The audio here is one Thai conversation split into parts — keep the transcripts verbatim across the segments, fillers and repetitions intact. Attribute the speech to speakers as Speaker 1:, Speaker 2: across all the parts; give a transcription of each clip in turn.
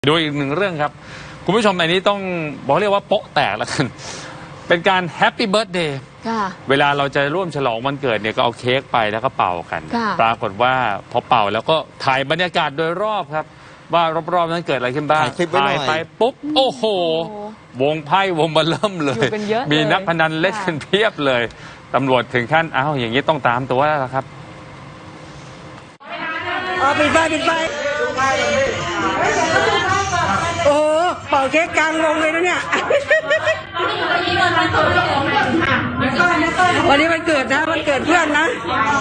Speaker 1: ดูอีกหนึ่งเรื่องครับคุณผู้ชมในนี้ต้องบอกเรียกว่าโป๊ะแตกแล้วกันเป็นการแฮปปี้เบิร์ธเดย์เวลาเราจะร่วมฉลองวันเกิดเนี่ยก็เอาเค้กไปแล้วก็เป่ากันปรากฏว่าพอเป่าแล้วก็ถ่ายบรรยากาศโดยรอบครับว่ารอบๆนั้นเกิดอะไรขึ้นบ้างถ่ายไปปุ๊บโอ้โหวงไพ่วงบัลเริ่มเลยมีนักพนันเล่นกันเพียบเลยตำรวจถึงขั้นอ้าวอย่างนี้ต้องตามตัวแล้วครับ
Speaker 2: ปิดไฟปิดไฟโอ้เป่าเค้กกลางวงเลยนะเนี่ยวันนี้วันเกิดนะวันเกิดเพื่อนนะ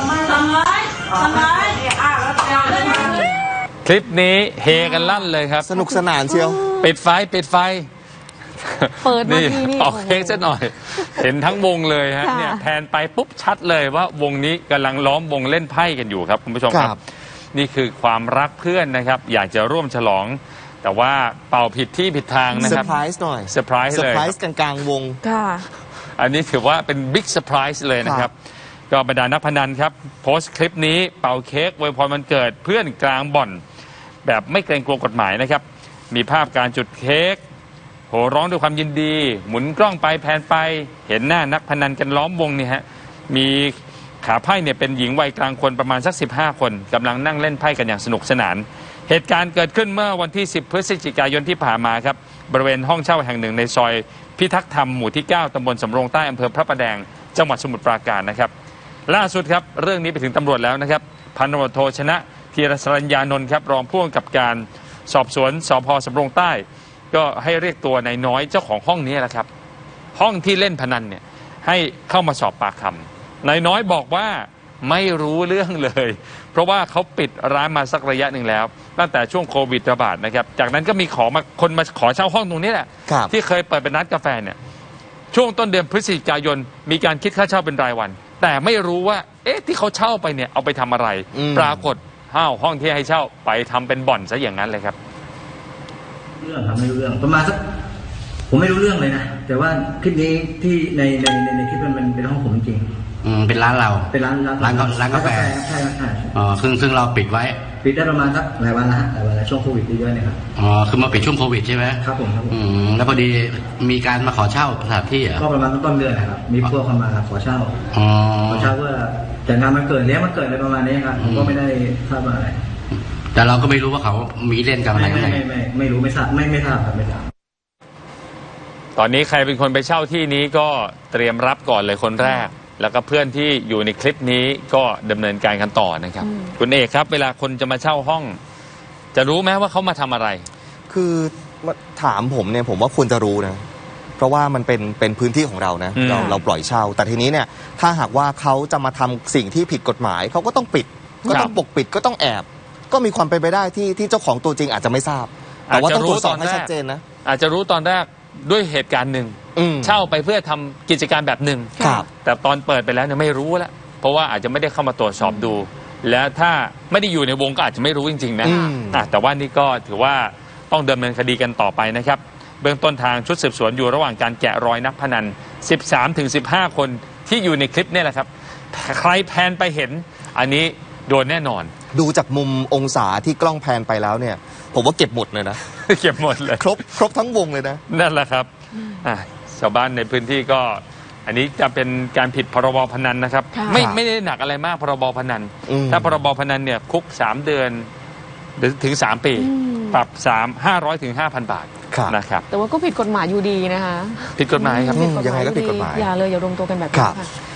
Speaker 1: คลิปนี้เฮกันลั่นเลยครับ
Speaker 3: สนุกสนานเชียว
Speaker 1: ปิดไฟปิดไฟ
Speaker 4: เปิดมาทีนี่
Speaker 1: ออกเค้กซะหน่อยเห็นทั้งวงเลยฮะเนี่ยแทนไปปุ๊บชัดเลยว่าวงนี้กำลังล้อมวงเล่นไพ่กันอยู่ครับคุณผู้ชมครับนี่คือความรักเพื่อนนะครับอยากจะร่วมฉลองแต่ว่าเป่าผิดที่ผิดทางนะครับ
Speaker 3: เซอร์ไพรส์หน่อย
Speaker 1: เซอร์ไพรส์เลยเซอร์ไพรส์
Speaker 3: กลางกลางวง
Speaker 4: ค่ะ
Speaker 1: อันนี้ถือว่าเป็นบิ๊กเซอร์ไพรส์เลยนะครับก็บรรดานักพนันครับโพสต์คลิปนี้เป่าเค้กอวยพรวันเกิดเพื่อนกลางบ่อนแบบไม่เกรงกลัวกฎหมายนะครับมีภาพการจุดเค้กโห่ร้องด้วยความยินดีหมุนกล้องไปแพนไปเห็นหน้านักพนันกันล้อมวงนี่ฮะมีขาไพ่เนี่ยเป็นหญิงวัยกลางคนประมาณสักสิบห้าคนกำลังนั่งเล่นไพ่กันอย่างสนุกสนานเหตุการณ์เกิดขึ้นเมื่อวันที่สิบพฤศจิกายนที่ผ่านมาครับบริเวณห้องเช่าแห่งหนึ่งในซอยพิทักษ์ธรรมหมู่ที่เก้าตำบลสำโรงใต้อำเภอพระประแดงจังหวัดสมุทรปราการนะครับล่าสุดครับเรื่องนี้ไปถึงตำรวจแล้วนะครับพันตำรวจโทชนะธีรสรัญญานนท์ครับรองผู้กำกับการสอบสวนสพสำโรงใต้ก็ให้เรียกตัวนายน้อยเจ้าของห้องนี้แหละครับห้องที่เล่นพนันเนี่ยให้เข้ามาสอบปากคำนายน้อยบอกว่าไม่รู้เรื่องเลยเพราะว่าเขาปิดร้านมาสักระยะหนึ่งแล้วตั้งแต่ช่วงโควิดระบาดนะครับจากนั้นก็มีขอมาคนมาขอเช่าห้องตรงนี้แหละที่เคยเปิดเป็นร้านกาแฟเนี่ยช่วงต้นเดือนพฤศจิกายนมีการคิดค่าเช่าเป็นรายวันแต่ไม่รู้ว่าเอ๊ะที่เขาเช่าไปเนี่ยเอาไปทำอะไรปรากฏห้าวห้องที่ให้เช่าไปทำเป็นบ่อนซะอย่างนั้นเลยครับ
Speaker 5: เรื่องครับไม่รู้เรื่องประมาณสักผมไม่รู้เรื่องเลยนะแต่ว่าคลิปนี้ที่ในในในคลิปมันเป็นห้องผมจริง
Speaker 6: อืมเป็นร้านเรา
Speaker 5: เป็นร้านร้าน
Speaker 6: ร้านร้านกาแฟ
Speaker 5: ใช่ใช่
Speaker 6: อ๋อซึ่งซึ่งเราปิดไว้
Speaker 5: ปิดได้ประมาณสักหลายวันละหลายวันละช่วงโควิดเยอะๆเนี่ยครับ
Speaker 6: อ๋อคือมาปิดช่วงโควิดใช่ไหม
Speaker 5: ครับผมครับผม
Speaker 6: อืมแล้วพอดีมีการมาขอเช่าสถานที่เหรอ
Speaker 5: ก็ประมาณต้นเดือนนะครับมีพวกเข้ามาขอเช่า
Speaker 6: อ๋อ
Speaker 5: ขอเช่าเพื่อจัดงานวันเกิดเลี้ยงวันเกิดอะไรประมาณนี้ครับผมก็ไม่ได้ทราบอะไร
Speaker 6: แต่เราก็ไม่รู้ว่าเขามีเล่นกันอะไร
Speaker 5: ไม่ไม่ไม่ไม่รู้ไม่ทราบไม่ไม่ทราบครับไม่ทราบ
Speaker 1: ตอนนี้ใครเป็นคนไปเช่าที่นี้ก็เตรียมรับก่อนเลยคนแรกแล้วก็เพื่อนที่อยู่ในคลิปนี้ก็ดำเนินการกันต่อนะครับคุณเอกครับเวลาคนจะมาเช่าห้องจะรู้ไหมว่าเขามาทำอะไร
Speaker 3: คือถามผมเนี่ยผมว่าควรจะรู้นะเพราะว่ามันเป็นเป็นพื้นที่ของเรานะเราเราปล่อยเช่าแต่ทีนี้เนี่ยถ้าหากว่าเขาจะมาทำสิ่งที่ผิดกฎหมายเขาก็ต้องปิดก็ต้องปกปิดก็ต้องแอบก็มีความเป็นไปได้ที่ที่เจ้าของตัวจริงอาจจะไม่ทราบแต่ว่าต้องตรวจสอบให้ชัดเจนนะ
Speaker 1: อาจจะรู้ตอนแรกด้วยเหตุการณ์หนึ่งเช่าไปเพื่อทำกิจการแบบหนึ่งแต่ตอนเปิดไปแล้วเนี่ยไม่รู้แล้วเพราะว่าอาจจะไม่ได้เข้ามาตรวจสอบดู แล้วถ้าไม่ได้อยู่ในวงก็อาจจะไม่รู้จริงๆนะแต่ว่านี่ก็ถือว่าต้องดำเนินคดีกันต่อไปนะครับเบื้องต้นทางชุดสืบสวนอยู่ระหว่างการแกะรอยนักพนัน สิบสามถึงสิบห้า คนที่อยู่ในคลิปนี่แหละครับใครแพนไปเห็นอันนี้โดนแน่นอน
Speaker 3: ดูจากมุมองศาที่กล้องแพนไปแล้วเนี่ยผมว่าเก็บหมดเลยนะ
Speaker 1: เก็บหมดเลย
Speaker 3: ครบครบทั้งวงเลยนะ
Speaker 1: นั่นแหละครับชาวบ้านในพื้นที่ก็อันนี้จะเป็นการผิดพรบพนันนะครับไม่ไม่ได้หนักอะไรมากพรบพนันถ้าพรบพนันเนี่ยคุกสามเดือนหรือถึงสามปีปรับสามห้าร้อยถึงห้าพันบาทนะครับ
Speaker 4: แต่ว่าก็ผิดกฎหมายอยู่ดีนะคะ
Speaker 1: ผิดกฎหมายครับ
Speaker 3: ยังไงก็ผิดกฎหมาย
Speaker 4: อย่าเลยอย่ารวมตัวกันแบบนี้ค่ะ